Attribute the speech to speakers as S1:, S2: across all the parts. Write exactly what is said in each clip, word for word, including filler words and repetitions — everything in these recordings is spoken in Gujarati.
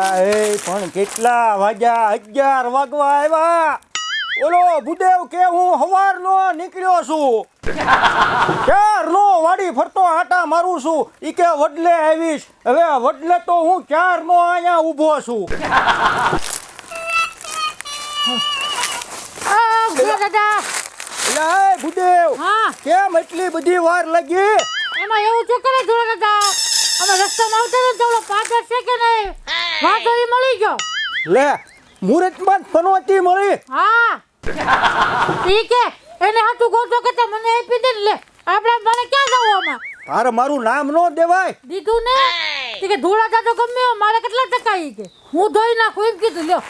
S1: અલ્યા એ પણ કેટલા વાગ્યા? અગિયાર વાગવા આવ્યા. ઓલો ભૂદેવ કે હું હવારનો નીકળ્યો છું, ક્યારનો વાડી ફરતો આટા મારું છું. ઈ કે વડલે આવીશ. હવે વડલે તો હું ક્યારનો અહીંયા ઊભો છું.
S2: દાદા
S1: અલ્યા એ ભૂદેવ,
S2: હા
S1: કેમ એટલી બધી વાર લાગી?
S2: એમાં એવું છે કે જોડે દાદા અમે રસ્તામાં આવતા હતા તો પાદર છે કે નહીં વાઘરી મળી ગયો.
S1: લે મુહૂર્તમાં જ પનોતી મળી.
S2: હા ઈ કે એને હાથું ગોતો કે તે મને આપી દે ને. લે આપણે મને ક્યાં જવું આમાં?
S1: તારે મારું નામ ન દેવાય.
S2: દીધું ને ઈ કે ધોળા દાદો ગમે એવો, મારે કેટલા ટકા ઈ કે હું ધોઈ નાખું એમ કીધું. લ્યો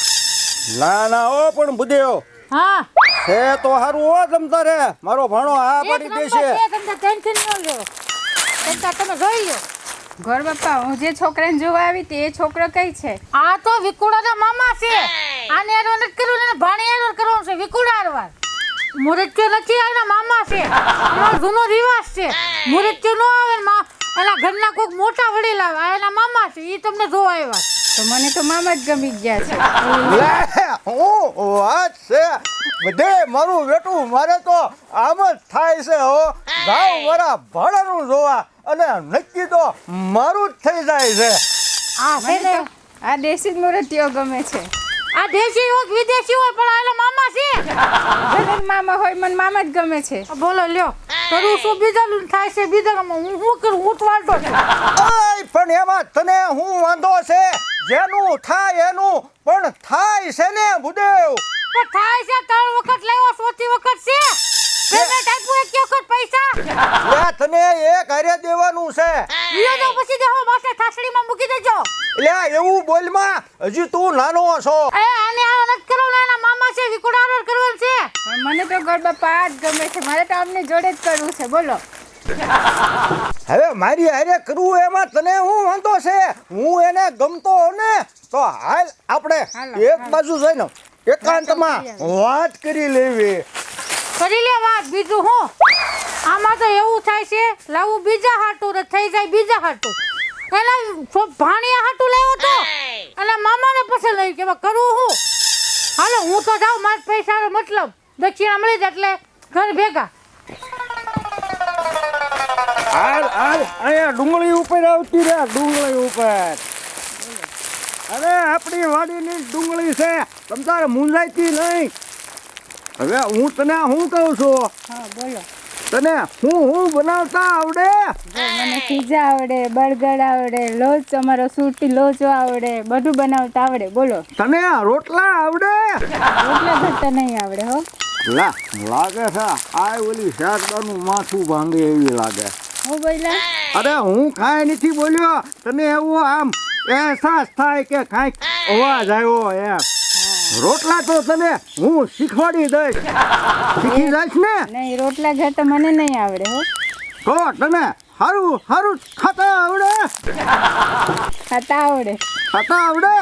S1: ના ના ઓ પણ ભૂદેવ
S2: હા
S1: છે તો હારું હો. તમતા રે મારો ભાણો આ પાડી દેશે.
S2: તમને ટેન્શન ન લ્યો, ચિંતા તમે જોઈ લ્યો.
S3: ઘર બાપા, હું જે છોકરાને જોવા આવી હતી એ છોકરો કઈ છે?
S2: આ તો વિકુડાના મામા છે. આને એનો નથી કરવું ને ભાણી એનો કરવાનું છે. વિકુડા હારવાર મુરત્યો નથી, આના મામા છે. અમારો જૂનો રિવાજ છે. મુરત્યો નો આવે ને માં એના ઘરના કોઈક મોટા વડીલ આવે, આ એના મામા છે. ઈ તમને જોવા આવ્યા.
S3: તો મને તો મામા જ ગમી ગયા છે.
S1: લે હું વાત છે બધે મારું બેટું. મારે તો આમ જ થાય છે હો. જાવ મારા ભાડાનું જોવા અને નક્કી તો મારું જ થઈ જાય છે.
S2: આ છે
S3: મને
S2: ને
S3: તો આ દેશી જ મૂર્તિઓ ગમે છે.
S2: આ દેશી હોય કે વિદેશી હોય પણ આ એના મામા છે.
S3: ભલે મામા હોય, મને મામા જ ગમે છે.
S2: બોલો લ્યો કરું શું? બીજાનું થાય છે બીજામાં હું શું કરું? હું તો વાંધો છે.
S1: ઓય પણ એમાં તને હું વાંધો છે? જેનું થાય એનું પણ થાય છે ને ભૂદેવ.
S2: પણ થાય છે ત્રણ વખત લેવો, ચોથી વખત છે પેમેન્ટ આપ્યું એક વખત પૈસા.
S1: લે તને એક હારે દેવાનું છે.
S2: લ્યો તો પછી દેહો માસે થાસડીમાં મૂકી દેજો.
S1: લે એવું બોલમાં, હજી તું નાનો છો.
S2: એ આને આ નથી કરવાનું, એના મામા છે. વિકુડારો કરવાનું છે.
S3: પણ મને તો ઘર બાપા આ જ ગમે છે. મારે તો આમને જોડે જ કરવું છે. બોલો
S1: હવે મારી હારે કરવું એમાં તને હું વાંધો છે? હું એને ગમતો ને તો હાલ આપણે
S3: હાલો,
S1: એક
S3: હાલો.
S1: બાજુ જઈને એકાંતમાં વાત કરી લેવી.
S2: કરી લે વાત. બીજું હું આમાં તો એવું થાય છે લાવું બીજા હાટું ને થઈ જાય બીજા હાટું. એના ભાણિયા હાટું લેવો તો અને મામાને પછી લઈ કે કરવું હું. હાલો હું તો જાઉં, મારા પૈસાનો મતલબ દક્ષિણા મળી જાય એટલે ઘર ભેગા.
S1: હાલ હાલ અહીંયા ડુંગળી ઉપર આવતી રે, ડુંગળી ઉપર. અરે આપણી વાડીની ડુંગળી છે, તમ તારે મૂંઝાઈતી નહીં. હવે હું તને શું કહું છું?
S3: હા બોલો.
S1: તને હું હું બનાવતા આવડે?
S3: જો મને પીઝા આવડે, બર્ગર આવડે, લોચો, અમારો સૂટી લોચો આવડે, બધું બનાવતા આવડે. બોલો.
S1: તને રોટલા આવડે?
S3: રોટલા ઘટતા નહીં આવડે હો.
S1: લા લાગે છે આ ઓલી શાકદાનું માથું ભાંગે એવી લાગે.
S3: હું બોલ્યા?
S1: અરે હું કાંઈ નથી બોલ્યો. તને એવો આમ અહેસાસ થાય કે કાંઈક અવાજ આવ્યો એમ. રોટલા તો તને હું શીખવાડી દઈશ. શીખી જઈશ ને?
S3: નહીં, રોટલા ઘટતા મને નહીં આવડે હો.
S1: તો તને સારું સારું ખાતા આવડે?
S3: ખાતા આવડે.
S1: ખાતા આવડે?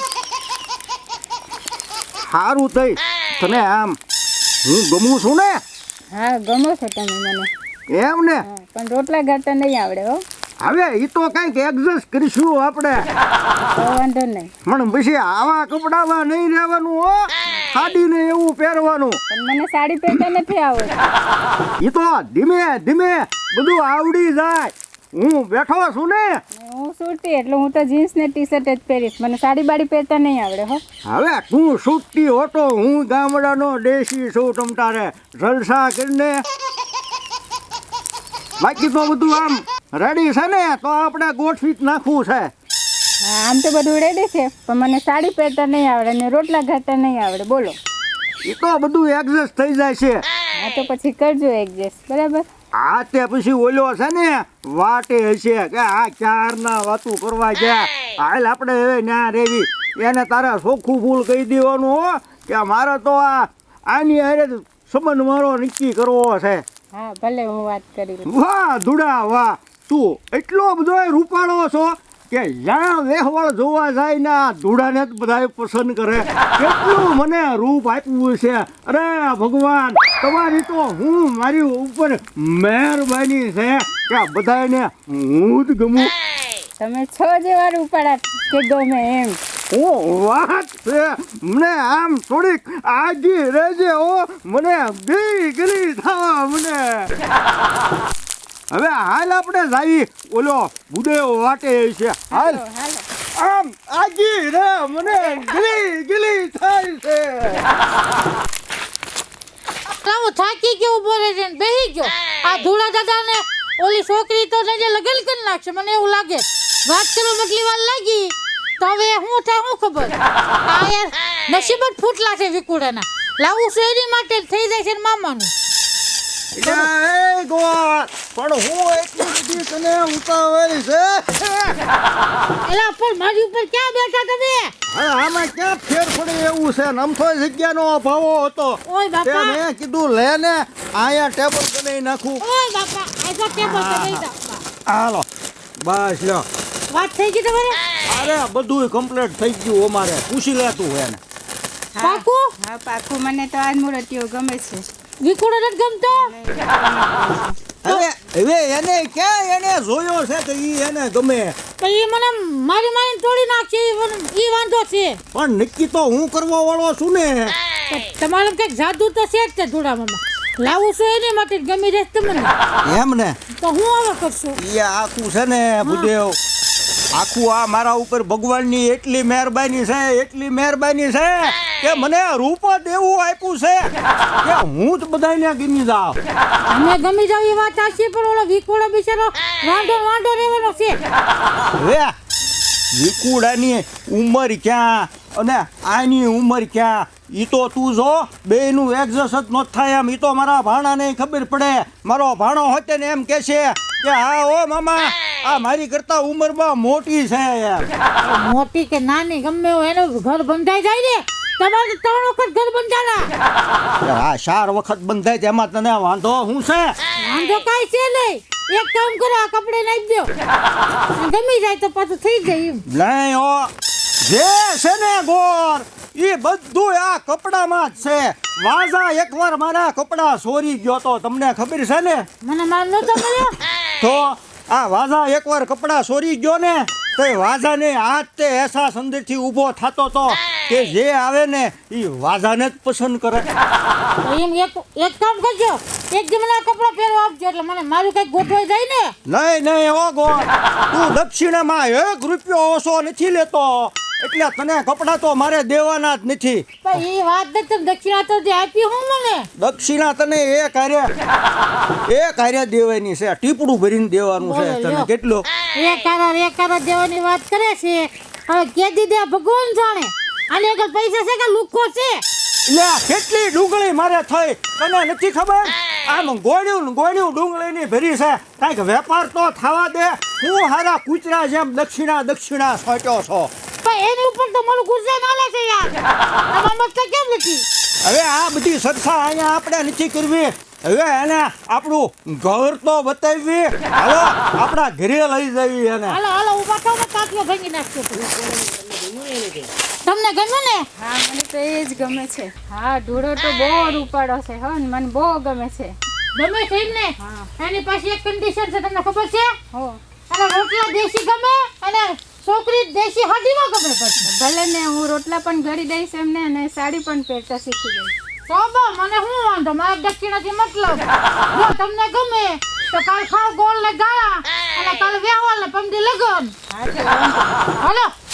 S1: સારું થઈ તને આમ હું ગમું છું ને?
S3: હા ગમો છો તમે મને.
S1: એમ ને?
S3: હા, પણ રોટલા ઘટતા નહીં આવડે હો.
S1: હવે એ તો કંઈક એડજસ્ટ કરીશું આપણે.
S3: તો વાંધો નહીં.
S1: પણ પછી આવા કપડામાં નહીં રહેવાનું હો. સાડીને એવું પહેરવાનું.
S3: પણ મને સાડી પહેરતા નથી આવડતી.
S1: એ તો ધીમે ધીમે બધું આવડી જાય. હું બેઠો છું ને.
S3: હું સૂટી એટલે હું તો જીન્સ ને ટી શર્ટ જ પહેરીશ. મને સાડી બાડી પહેરતા નહીં આવડે હો.
S1: હવે તું છૂટતી હોતો, હું ગામડાનો દેશી છું. તમ તારે જલસા કરીને બાકી તો બધું આમ રેડી છે ને તો આપણે ગોઠવી જ નાખવું છે.
S3: હા આમ તો બધું રેડી છે પણ મને સાડી પહેરતા નહીં આવડે ને રોટલા ઘટતા નહીં આવડે. બોલો.
S1: એ તો બધું એડજસ્ટ થઈ જાય છે.
S3: હા તો પછી કરજો એડજસ્ટ. બરાબર.
S1: આ તે પછી ઓલો છે ને વાટે હશે કે આ ચારના વાતું કરવા ગયા. હાલ આપણે હવે ન્યા રેવી. એને તારે ચોખ્ખું ફૂલ કહી દેવાનું હો કે મારે તો આ આની હારે સંબંધ મારો નક્કી કરવો છે.
S3: હા ભલે હું વાત કરી લઉં.
S1: વાહ ધુડા વાહ, તું એટલો બધો રૂપાળો છો કે જ્યાં વેહવળ જોવા જાય ને આ ધૂળાને જ બધા પસંદ કરે. કેટલું મને રૂપ આપ્યું છે. અરે ભગવાન તમારી તો હું મારી ઉપર મહેરબાની છે કે બધાને હું જ ગમું.
S3: તમે છો જે વાર ઉપાડા કે ગમે એમ.
S1: હું વાત છે મને આમ થોડીક આગી રહેજે હો, મને ગઈ ગલી થવા મને. હવે હાલ આપણે જાવી ઓલો બુડેવ વાટે છે. હાલ
S3: હાલો, હાલો.
S1: આમ આગી રે મને ગલી ગલી થાય છે.
S2: હું થાકી ગયો ઉભો રહે છે ને બેહી ગયો. આ ધૂળા દાદા ને ઓલી છોકરી તો જે લગન કરી નાખશે મને એવું લાગે. વાત કરો મતલી વાર લાગી તો હવે હું થાય હું ખબર. આ યાર નસીબ જ ફૂટલા છે વિકુડાના. લાવું છું એની માટે જ થઈ જાય છે ને મામાનું.
S1: એ ગોળ પણ હું એટલી બધી તને ઉતાવળ છે.
S2: એલા પણ મારી ઉપર ક્યાં બેઠા તમે?
S1: હવે આમાં ક્યાં ફેર પડે એવું છે ને? અમથો જગ્યાનો અભાવો હતો.
S2: ઓય
S1: તે
S2: બાપા,
S1: મેં કીધું લે ને અહીંયા ટેબલ બનાવી નાખું.
S2: ઓય બાપા, આ તો ટેબલ પર બેસી જાઓ.
S1: હાલો બસ લ્યો.
S2: વાત થઈ ગઈ તમારે?
S1: અરે બધું કમ્પ્લીટ થઈ ગયું અમારે. પૂછી લે તું એને.
S3: હા,
S2: પાકું?
S3: હા પાકું. મને તો આજ મૂર્તિઓ ગમે છે.
S2: વિકુડો નથી ગમતો?
S1: હવે હવે એને ક્યાં એને જોયો છે કે ઈ એને ગમે?
S2: તો ઈ મને મારી મારીને તોડી નાખશે ઈ મને- ઈ વાંધો છે.
S1: પણ નક્કી તો હું કરવા વાળો છું ને.
S2: તો તમારું કંઈક જાદુ તો છે જ તે ધૂળામાં. લાવું છું એની માટે જ ગમી રહેશે તમને.
S1: એમ ને
S2: તો હું હવે કરશું.
S1: ઈ આખું છે ને ભૂદેવ, આખું આ મારા ઉપર ભગવાનની એટલી મહેરબાની છે, એટલી મહેરબાની છે કે મને રૂપ જ એવું આપ્યું છે કે હું જ બધાને ગમી જાઉં.
S2: અમે ગમી જાવ એ વાત સાચી, પણ ઓલો વિકોળો બિચારો વાંઢો વાંઢો રહેવાનો છે.
S1: હવે વિકુડાની ઉંમર ક્યાં અને આની ઉંમર ક્યાં ઈ તો તું જો બેયનું એડજસ્ટ જ ન થાય એમ. ઈ તો મારા ભાણાને ખબર પડે. મારો ભાણો હોતે ને એમ કે છે કે હા ઓ મામા આ મારી કરતા ઉંમરમાં મોટી છે એમ.
S2: મોટી કે નાની ગમે એવું એનું ઘર બંધાઈ જાય ને. તમારે તો ત્રણ વખત ઘર બંધાણા.
S1: આ ચાર વખત બંધાય તેમાં તને વાંધો શું છે?
S2: વાંધો કાંઈ છે નહીં. એક કામ કરો, આ કપડે નાખી દો. ગમી જાય તો પાછું થઈ જાય એમ.
S1: નહીં હો, જે છે ને ગોર એ બધું આ કપડામાં જ છે. વાજા એકવાર મારા કપડા ચોરી ગયો તો તમને ખબર છે ને?
S2: મને માર નતો મળ્યો.
S1: તો આ વાજા એકવાર કપડા ચોરી ગયો ને તો એ વાજાને હાથ તે એસા સંદેશથી ઊભો થતો તો કે જે આવે ને એ વાજાને જ પસંદ કરે.
S2: તો એમ એક એક કામ કરજો, એક દી મને આ કપડાં પહેરવા આપજો એટલે મને મારું કંઈક ગોઠવાઈ જાય ને.
S1: નહીં નહીં હો ગોર, તું દક્ષિણામાં એક રૂપિયો ઓછો નથી લેતો એટલે તને કપડાં તો મારે દેવાના જ નથી.
S2: પણ એ વાત નથી, તમે દક્ષિણા તો જે આપી હું મને.
S1: દક્ષિણા તને એ કાર્ય એ કાર્ય દેવાની છે, ટીપડું ભરીને દેવાનું છે
S2: બોલો,
S1: તને.
S2: લ્યો.
S1: કેટલું?
S2: એક કારા એક કારા દેવાની વાત કરે છે. હવે કે દીધે ભગવાન જાણે આને આગળ પૈસા છે કે લુખો છે.
S1: લે કેટલી ડુંગળી મારે થઈ તને નથી ખબર? આમ ગોળ્યું ને ગોળ્યું ડુંગળીની ભરી છે. કાંઈક વેપાર તો થવા દે. હું હારા કૂતરા જેમ દક્ષિણા દક્ષિણા સોટ્યો છો.
S2: પણ એની ઉપર તો મારું ગુસ્સે નાલે છે યાર. આમાં મતલબ કેમ નથી?
S1: હવે આ બધી સરખા અહીંયા આપણે નથી કરવી. હવે એને આપણું ઘર તો બતાવી. હાલો આપણા ઘરે લઈ જવી એને.
S2: હાલો હાલો ઊભા થાવ ને કાચલો ભાંગી નાખજો. તમને ગમ્યું ને?
S3: હા મને તો એ જ ગમે છે. હા ધૂળો તો બહુ રૂપાળો છે હો ને મને બહુ ગમે છે.
S2: ગમે છે એમ ને?
S3: હા.
S2: એની પાસે એક કન્ડિશન છે, તમને ખબર છે?
S3: હો
S2: અને રોટલા દેશી ગમે અને છોકરી દેશી હાડીમાં ગમે. પછી
S3: ભલે ને હું રોટલા પણ ઘડી દઈશ એમને અને સાડી પણ પહેરતા શીખી ગઈ.
S2: તો બા મને શું વાંધો, મારે દક્ષિણાથી મતલબ. જો તમને ગમે તો કાલ ખાવ ગોળ ને ગાળા અને કાલ વેવાલ ને પમદી લગન.
S3: હા તો વાંધો નહીં.
S2: હાલો